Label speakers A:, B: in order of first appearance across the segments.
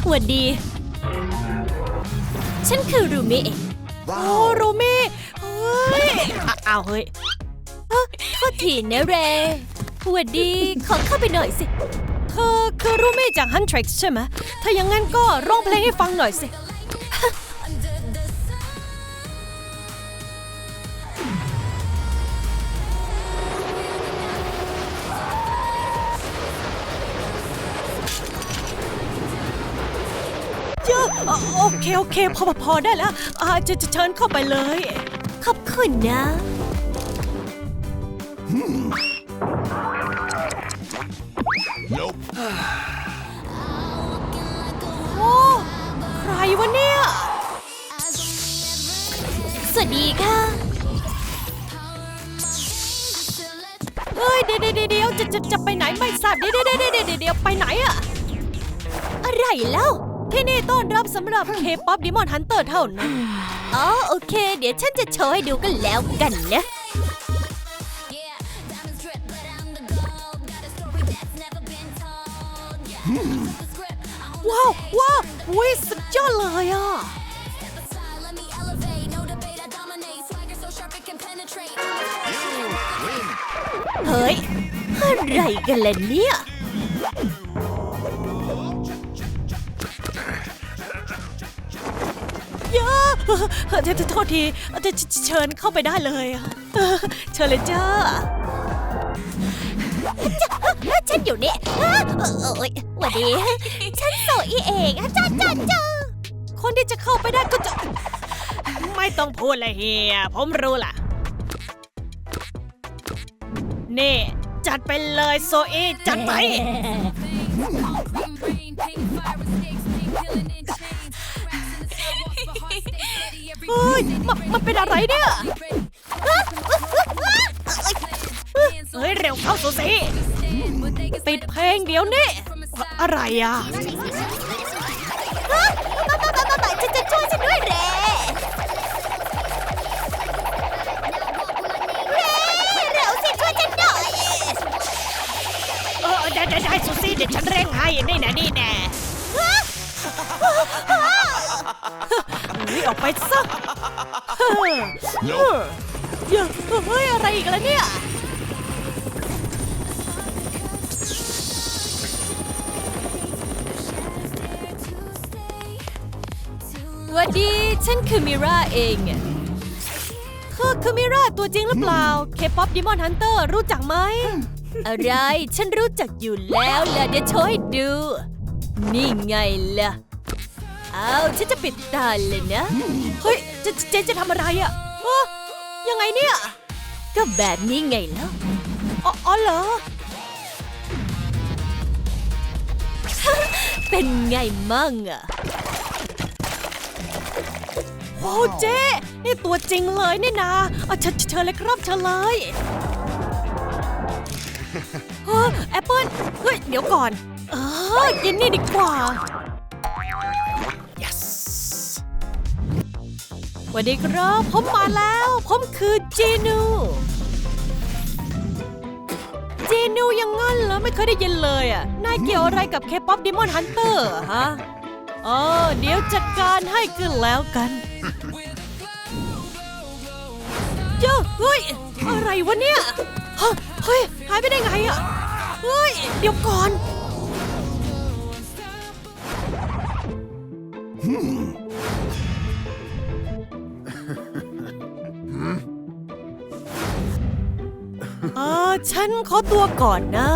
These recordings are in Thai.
A: หวัดดีฉันคือรูมิเองโอ้รูมิเฮ้ยอ้าวเฮ้ยโทษทีนะเรหวัดดีขอเข้าไปหน่อยสิเธอคือรูมิจาก Huntrix ใช่ไหมถ้าอย่างงั้นก็ร้องเพลงให้ฟังหน่อยสิโอเคพอได้แล้วจะเชิญเข้าไปเลยขอบคุณนะโอ้ใครวะเนี่ยสวัสดีค่ะเฮ้ยเดี๋ยวจะไปไหนไม่ทราบเดี๋ยวไปไหนอะอะไรเล่าที่นี่ต้อนรับสำหรับ K-POP Demon Hunter เท่านั้นอ๋อโอเคเดี๋ยวฉันจะโชว์ให้ดูกันแล้วกันนะว้าวอุ้ยสุดยอดเลยอ่ะเฮ้ยอะไรกันล่ะเนี่ยโทษทีเชิญเข้าไปได้เลยเชิญเลยจ้าฉันอยู่นี่หวัดดีฉันโซอี้เองจ้าคนที่จะเข้าไปได้ก็จะไม่ต้องพูดเลยเฮียผมรู้ล่ะนี่จัดไปเลยโซอี้จัดไปเฮ้ยมันเป็นอะไรเนี่ยเฮ้ยเร็วเข้าโซซี่ปิดเพลงเดี๋ยวนี้อะไรอ่ะจะช่วยฉันด้วยเร็วสิช่วยฉันหน่อยได้โซซี่เดี๋ยวฉันเร่งให้นี่แน่นี่ออกไปซะเฮ้ยอะไรอีกแล้วเนี่ยสวัสดีฉันคือมิราเองเธอคือมิราตัวจริงหรือเปล่า K-POP Demon Hunter รู้จักไหมอะไรฉันรู้จักอยู่แล้วล่ะเดี๋ยวโชว์ให้ดูนี่ไงล่ะฉันจะปิดตาเลยนะเฮ้ยเจ๊จะทำอะไรอ่ะยังไงเนี่ยก็แบบนี้ไงแล้วอ๋อเหรอ เป็นไงมั่งอ่ะโอ้เจ๊นี่ตัวจริงเลยนี่นาเชิญเลยครับเชิญเลยแอปเปิ้ลเฮ้ยเดี๋ยวก่อนกินนี่ดีกว่าสวัสดีครับผมมาแล้วผมคือจีนูยังงั้นเหรอไม่เคยได้ยินเลยอ่ะนายเกี่ยวอะไรกับ K-POP Demon Hunter ฮะเดี๋ยวจัดการให้กันแล้วกันเฮ้ยอะไรวะเนี่ยเฮ้ยหายไปได้ไงอ่ะเฮ้ยเดี๋ยวก่อนฉันขอตัวก่อนนะ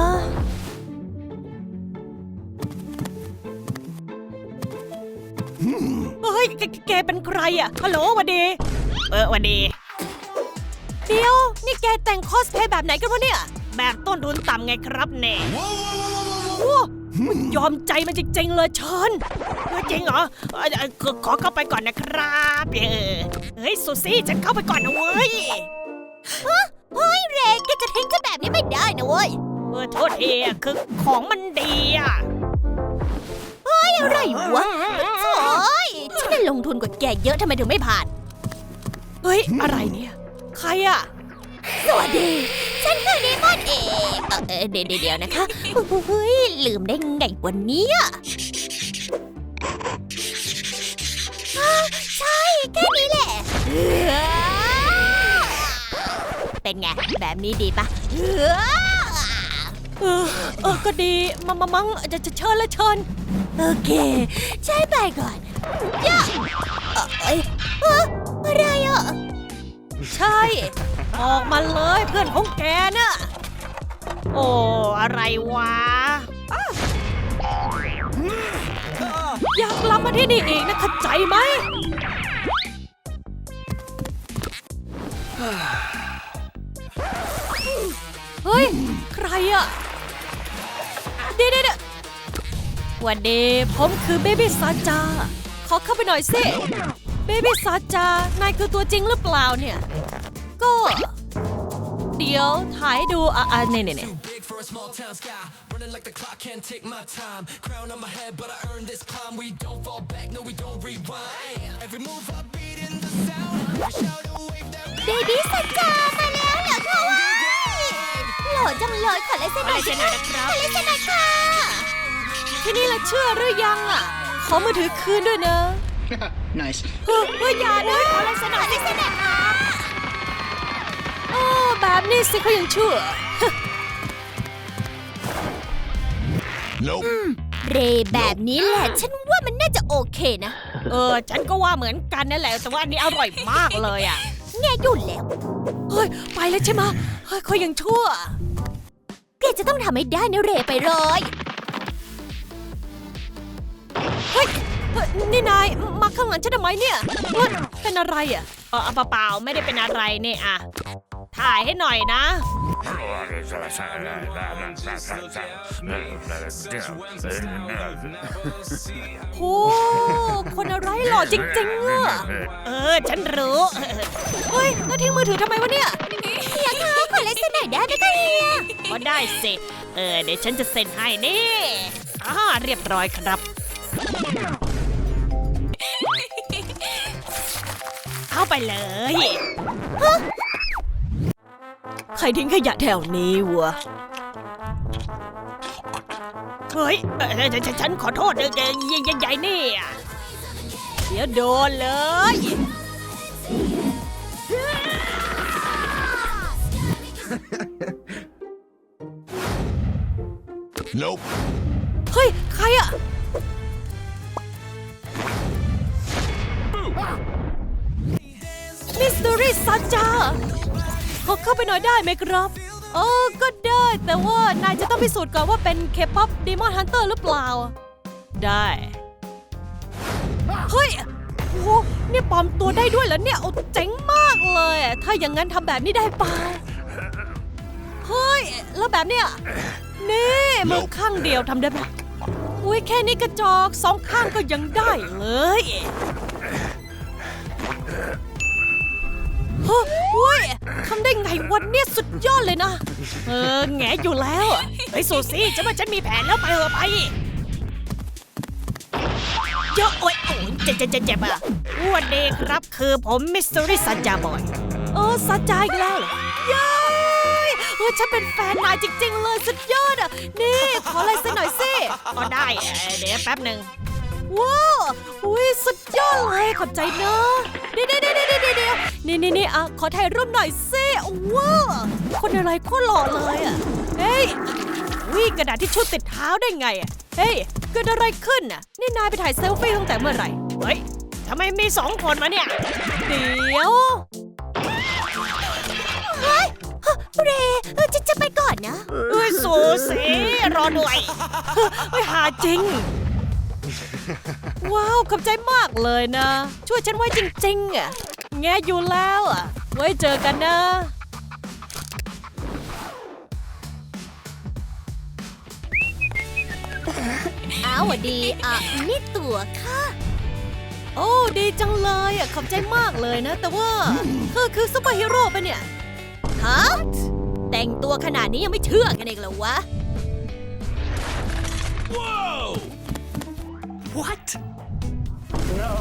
A: เฮ้ยแกเป็นใครอ่ะฮัลโหลสวัสดีสวัสดีเดี๋ยวนี่แกแต่งคอสเพลย์แบบไหนกันวะเนี่ยแบบต้นทุนต่ำไงครับเน่ยอมใจมันจริงๆเลยเชิญจริงเหรอขอเข้าไปก่อนนะครับเฮ้ยซูซี่ฉันเข้าไปก่อนนะเว้ยเฮ้ยเรนแกจะทิ้งฉันแบบนี้ไม่ได้นะเว้ยโทษทีคือของมันดีอ่ะเฮ้ยอะไรวะโถ่ฉันได้ลงทุนกว่าแกเยอะทำไมถึงไม่ผ่านเฮ้ยอะไรเนี่ยใครอ่ะสวัสดีฉันคือเดมอนเองเดี๋ยวนะคะเฮ้ยลืมได้ไงวันนี้
B: เป็นไงแบบนี้ดีปะ
A: ก็ดีมั้งจะเชิญละเชิญ
B: โอเคใช้ไปก่อนย่าอะไรอ่ะ
A: ใช่ออกมาเลยเพื่อนของแกน่ะโอ้อะไรวะอยากกลับมาที่นี่อีกนะเข้าใจไหมเฮ้ยใครอะเดี๋ยววันนี้ผมคือเบบี้ซาจาขอเข้าไปหน่อยสิเบบี้ซาจานายคือตัวจริงหรือเปล่าเนี่ยก็เดี๋ยวถ่ายดูเนี่ย
C: Running like the clock, can't take my time. Crown on my head, but I earned this climb. We don't fall back, no, we don't rewind. Every move I beat in the sound. We shout a wave that
B: เบบี้สัจจามาแล้วเหรอคะวะหล่อจังเลยขอเลายเซ็นหน่อยสิคะขอเลายเซ็นหน่อยค่ะ
A: ทีนี้ละเชื่อหรือยังอ่ะขอมือถือคืนด้วยนะ
D: Nice.
A: อย่านะขอลายเซ็นหน่อยสิ แบบนี้สิเขายังเชื่อ
C: Nope.
B: เรแบบนี้แหละฉันว่ามันน่าจะโอเคนะ
A: ฉันก็ว่าเหมือนกันนั่นแหละแต่ว่าอันนี้อร่อยมากเลยอ่ะ
B: แง่ยุ่นแล้ว
A: เฮ้ยไปแล้วใช่ไหมเฮ้ยเขายังชั่ว
B: แกจะต้องทำให้ได้นะเรไปเลย
A: เฮ้ยนี่นายมาข้างหลังฉันทำไมเนี่ยเฮ้ยเป็นอะไรอ่ะเปล่าไม่ได้เป็นอะไรเนี่ยอ่ะถ่ายให้หน่อยนะโอ้คนอะไรหล่อจริงๆอ่ะฉันรู้เฮ้ยแล้วทิ้งมือถือทำไมวะเนี่ย
B: เฮียคะขอเลายเซ็นหน่อยได้ไหมคะเฮีย
A: ก็ได้สิเดี๋ยวฉันจะเซ็นให้นี่เรียบร้อยครับเข้าไปเลยใครทิ้งขยะแถวนี้วะเฮ้ยฉันขอโทษใหญ่ๆนี่เดี๋ยวโดนเลย
C: Nope.
A: เฮ้ยใครอะมิสตูรี่ซาจาขอเข้าไปหน่อยได้ไหมครับก็ได้แต่ว่านายจะต้องพิสูจน์ก่อนว่าเป็นเคป๊อปดีมอนฮันเตอร์หรือเปล่าได้เฮ้ยโอ้นี่ปลอมตัวได้ด้วยเหรอเนี่ยโอ้เจ๋งมากเลยถ้าอย่างนั้นทำแบบนี้ได้เปล่าเฮ้ยแล้วแบบเนี้ยนี่มือข้างเดียวทำได้ไหมอุ้ยแค่นี้กระจอกสองข้างก็ยังได้เลยเฮ้ยทำได้ไงวันนี้สุดยอดเลยนะแงอยู่แล้วไอ้สูซี่ฉันมีแผนแล้วไปไปเยอะโอ้ยเจ็บอ่ะวันเดย์ครับคือผมมิสซูริซาจาบอยซาจาอีกแล้วเย้ฉันเป็นแฟนนายจริงๆเลยสุดยอดอ่ะนี่ขออะไรสักหน่อยสิก็ได้เดี๋ยวแป๊บหนึ่งว้าวอุ้ยสุดยอดเลยขอบใจนะเดี๋ยวนี่ขอถ่ายรูปหน่อยสิว้าวคนอะไรโคตรหล่อเลยอ่ะเฮ้ยวิ่งกระดาษที่ชุดติดเท้าได้ไงอ่ะเฮ้ยเกิดอะไรขึ้นอ่ะนี่นายไปถ่ายเซลฟี่ตั้งแต่เมื่อไหร่เฮ้ยทำไมมี2 คนมาเนี่ยเดี๋ยว
B: เฮ้ยเรจะไปก่อนนะ
A: สูสีรอด้วยหาจริงว้าวขอบใจมากเลยนะช่วยฉันไว้จริงๆอ่ะแงอยู่แล้วอ่ะไว้เจอกันนะ
B: อ้าวดีนี่ตั๋วค่ะ
A: โอ้ดีจังเลยอ่ะขอบใจมากเลยนะแต่ว่าเธอคือซุปเปอร์ฮีโร่ปะเนี่ย
B: ฮะแต่งตัวขนาดนี้ยังไม่เชื่อกันเองเหรอวะ
C: Whoa! What? No.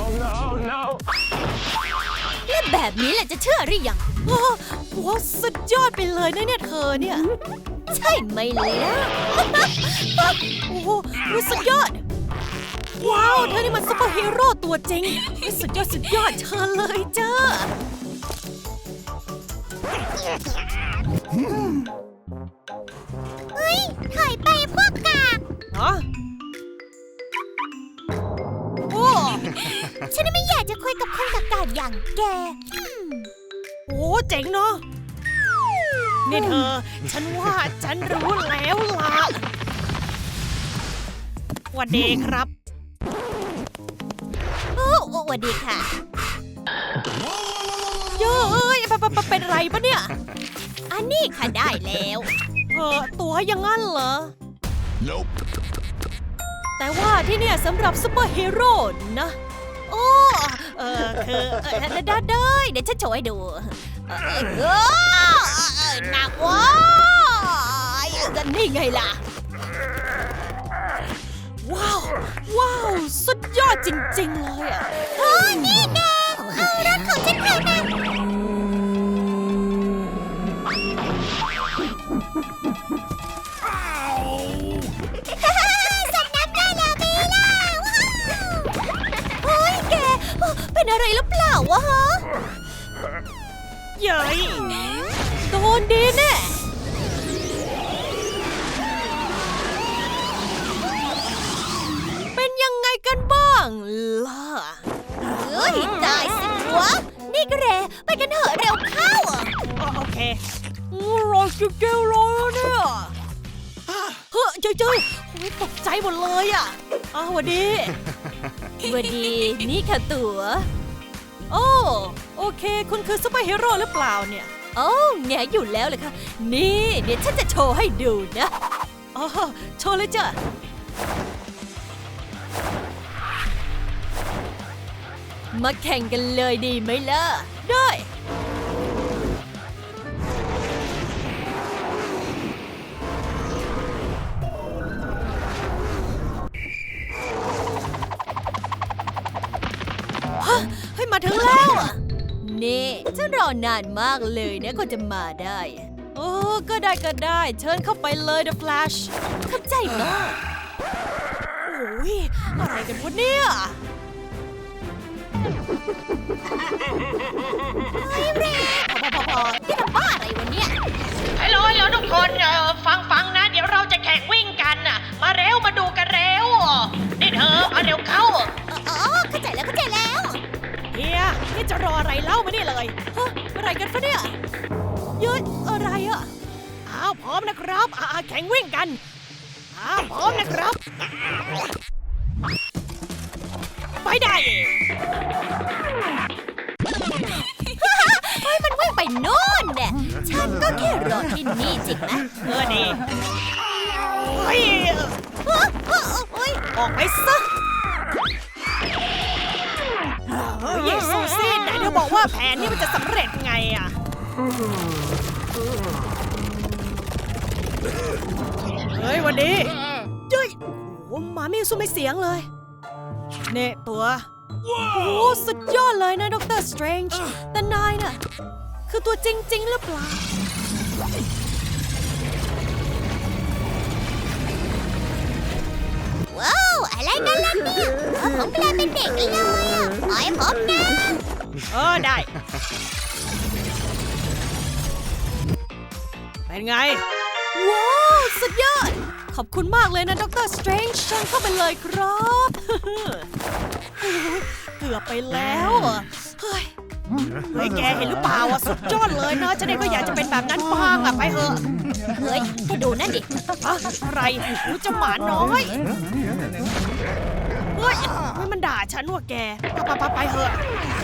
B: และแบบนี้แหละจะเชื่อหรือยัง
A: ว้าวสุดยอดไปเลยนะเนี่ยเธอเนี่ย
B: ใช่ไหมล่ะ
A: โอ้โหสุดยอดว้าวเธอนี่มันซุปเปอร์ฮีโร่ตัวจริงสุดยอดเชิญเลยจ้า
B: เฮ้ยถอยไปพวกกาก
A: ฮะโอ้
B: ฉันไม่อยากจะคุยกับคนกากๆอย่างแก
A: โหเจ๋งเนาะนี่เธอ ฉันว่าฉันรู้แล้วล่ะสวัสดีครับ
B: โอ้สวัสดีค่ะ
A: เย้ยเป็นไรปะเนี่ย
B: อันนี้ค่ะได้แล้ว
A: ตัวอยังงั้นเหรอ
C: Nope.
A: แต่ว่าที่เนี่ยสำหรับซุปเปอร์ฮีโร่นะ
B: โอ้คือได้เดี๋ยวฉันโชว์ให้ดูหนักว้ายกันนี่ไงล่ะ
A: ว้าว ว้าว สุดยอดจริงๆเลยอ่ะ
B: นี่แกเอารถของฉันไปนะสัตว์น้ำได้แล้วมีล่ะว้าวเฮ้ยแกเป็นอะไรหรือเปล่าวะฮะ
A: เย้ยโดนดีแน่ เป็นยังไงกันบ้างล่ะ
B: เฮ้ยได้สิวะนี่ก็เรไปกันเถอะเร็วเข้า
A: โอเครอจิเกลรอเนี่ยเฮ้ยเจ้ยโอ้ยตกใจหมดเลยอ่ะสวัสดี
B: สวัสดีนี่ค่ะตั๋ว
A: โอ้โอเค คุณคือซุปเปอร์ฮีโร่หรือเปล่าเนี่ย
B: โอ้แงอยู่แล้วเลยค่ะ นี่เดี๋ยวฉันจะโชว์ให้ดูนะ
A: อ๋อโชว์เลยจ้ะ
B: มาแข่งกันเลยดีไหมล่ะ
A: ได้ ฮะให้มาถึงแล้วอ่ะ
B: นี่ฉันรอนานมากเลยนะก็จะมาได้
A: โอ้ก็ได้ก็ได้ เชิญเข้าไปเลย The Flash
B: เข้าใจมาก
A: โอ้ยอะไรกันวะเนี่ย
B: เฮ้ยเรพอที่ทำบ้าอะไรวะเนี่ย
A: ฮัลโหลทุกคนฟังนะ เดี๋ยวเราจะแข่งวิ่งกันน่ะ มาเร็วมาดูกันเร็วนี่เธอมาเร็วเข้า
B: อ๋อเข้าใจแล้ว
A: เฮียนี่จะรออะไรเล่ามานี่เลยฮะอะไรกันฟะเนี่ยเยอะอะไรอ่ะอ้าวพร้อมนะครับแข่งวิ่งกันพร้อมนะครับ ไปได้
B: เฮ้ยมันวิ่งไปโน่นเนี่ยฉันก็แค่รอที่นี่จริงนะ
A: ดีเฮ้ย
B: เฮ้ย
A: ออกไปซะเฮ้ยซูซี่ไหนเธอบอกว่าแผนนี้มันจะสำเร็จไงอ่ะเฮ้ยวันนี้เจ้ยโอ้หมาไม่สู้ไม่เสียงเลยเนี่ยตัวโอ้สุดยอดเลยนะด็อกเตอร์สเตรนจ์แต่นายน่ะคือตัวจริงๆหรือเปล่า
B: ว้าวอะไรกันล่ะเนี่ยผมกลายเป็นเด็กเลยอ่ะปล่อยผมนะ
A: ได้ เป็นไง ว้าว สุดยอด ขอบคุณมากเลยนะด็อกเตอร์สเตรนจ์เชิญเข้าไปเลยครับ โอ้ยเกือบไปแล้วอะเฮ้ยแกเห็นหรือเปล่าอ่ะสุดยอดเลยนะฉันเองก็อยากจะเป็นแบบนั้นบ้างอ่ะไปเถอะ
B: เฮ้ยแกดูนั่นดิ
A: อะไรรู้จะหมาน้อยเฮ้ยมันด่าฉันว่ะแกไปเถอะ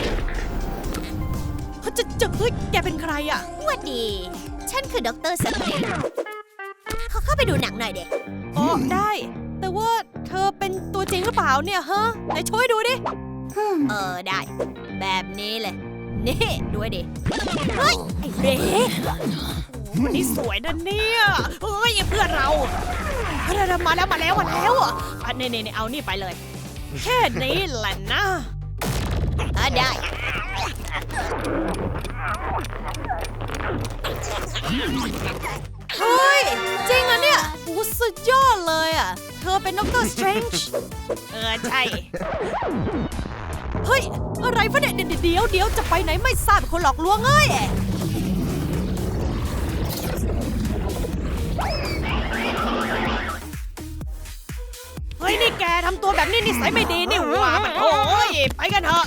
A: เฮ้ยแกเป็นใครอ่ะ
B: หวัดดี ฉันคือด็อกเตอร์สเตรนจ์เขาเข้าไปดูหนังหน่อยเด็ก
A: อ๋อได้ แต่ว่าเธอเป็นตัวจริงหรือเปล่าเนี่ยฮะไหนช่วยดูดิ
B: ได้ แบบนี้เลย นี่ดูดิ เฮ้ย ไอ้เด็ก
A: วันนี้สวยนะเนี่ยเฮ้ยเพื่อนเรามาแล้วอ่ะนี่เอานี่ไปเลย แค่นี้แหละนะ
B: ได้
A: เฮ้ยจริงอะเนี่ยโอ้สุดยอดเลยอ่ะเธอเป็นด็อกเตอร์สเตรนจ์ใช่เฮ้ยอะไรฟะเนี่ยเดี๋ยวจะไปไหนไม่ทราบคนหลอกลวงเอ้ยฮ้ยนี่แกทำตัวแบบนี้นิสัยไม่ดีนี่หว่าปะโถ่ไปกันเถอะ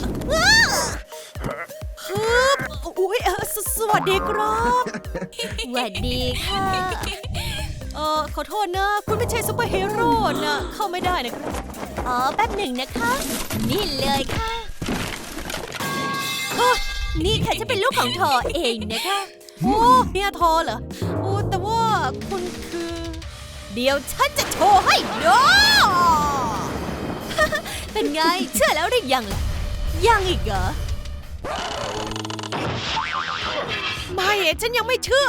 A: ฮึบอุ้ยสวัสดีครับ
B: สวัสดีค่ะ
A: ขอโทษนะคุณไม่ใช่ซูเปอร์ฮีโร่นะเข้าไม่ได้นะครับ
B: อ๋อแป๊บหนึ่งนะคะ นี่เลยค่ะ นี่ค่ะจะเป็นลูกของทอเองนะคะ
A: โอ้เนี่ยทอเหรอโอ้แต่ว่าคุณคือ
B: เดี๋ยวฉันจะโชว์ให้ดู เป็นไงเชื่อแล้วหรือยังล่ะยังอีกเหรอ
A: ไม่ฉันยังไม่เชื่อ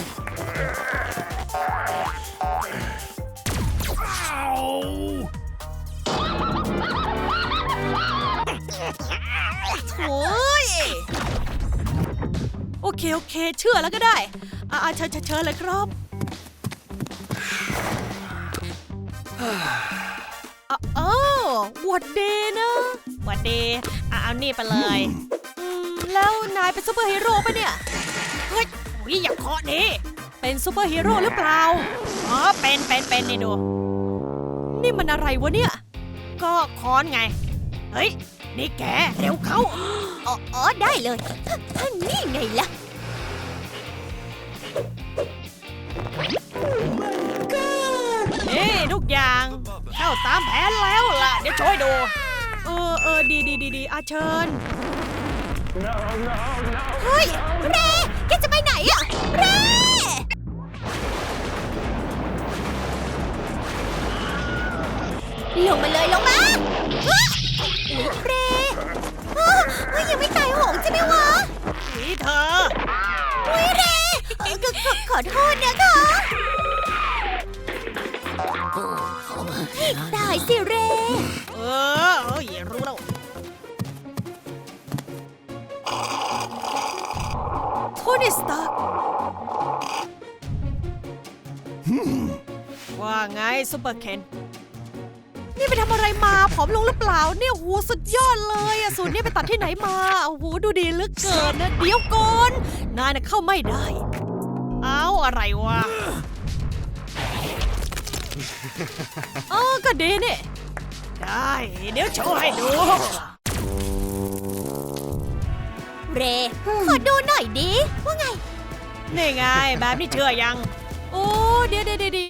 A: โอ้ยโอเคเชื่อแล้วก็ได้เชิญเลยครับหวัดดีนะหวัดดีเอานี่ไปเลยแล้วนายเป็นซูเปอร์ฮีโร่ปะเนี่ยเฮ้ยอย่าเคาะดิเป็นซูเปอร์ฮีโร่หรือเปล่าอ๋อเป็นนี่ดูนี่มันอะไรวะเนี่ยก็ค้อนไงเฮ้ยนี่แกเร็วเข้า
B: อ๋อได้เลยนี่ไงล่ะ
A: นี่ทุกอย่างเข้าตามแผนแล้วล่ะเดี๋ยวช่วยดูดีเชิญ
B: เฮ้ยเรแกจะไปไหนอะเรลงมาเลยลงมาอุ๊ยเรยังไม่ตายโหงใช่ไหมวะ
A: นี่เธอ
B: อุ๊ยเรขอโทษนะคะตายสิเร
A: อย่ารู้แล้วโทนี่สตาร์ว่าไงซุปเปอร์เคนนี่ไปทำอะไรมาผอมลงหรือเปล่าเนี่ยโหสุดยอดเลยอะสูตรนี่ไปตัดที่ไหนมาโอ้โหดูดีเหลือเกินนะเดี๋ยวก่อนนายน่ะเข้าไม่ได้เอาอะไรวะก็ดีนี่ได้เดี๋ยวโชว์ให้ดู
B: เรขอดูหน่อยดิว่าไง
A: นี่ไงแบบนี้เชื่อยังโอ้เดี๋ยว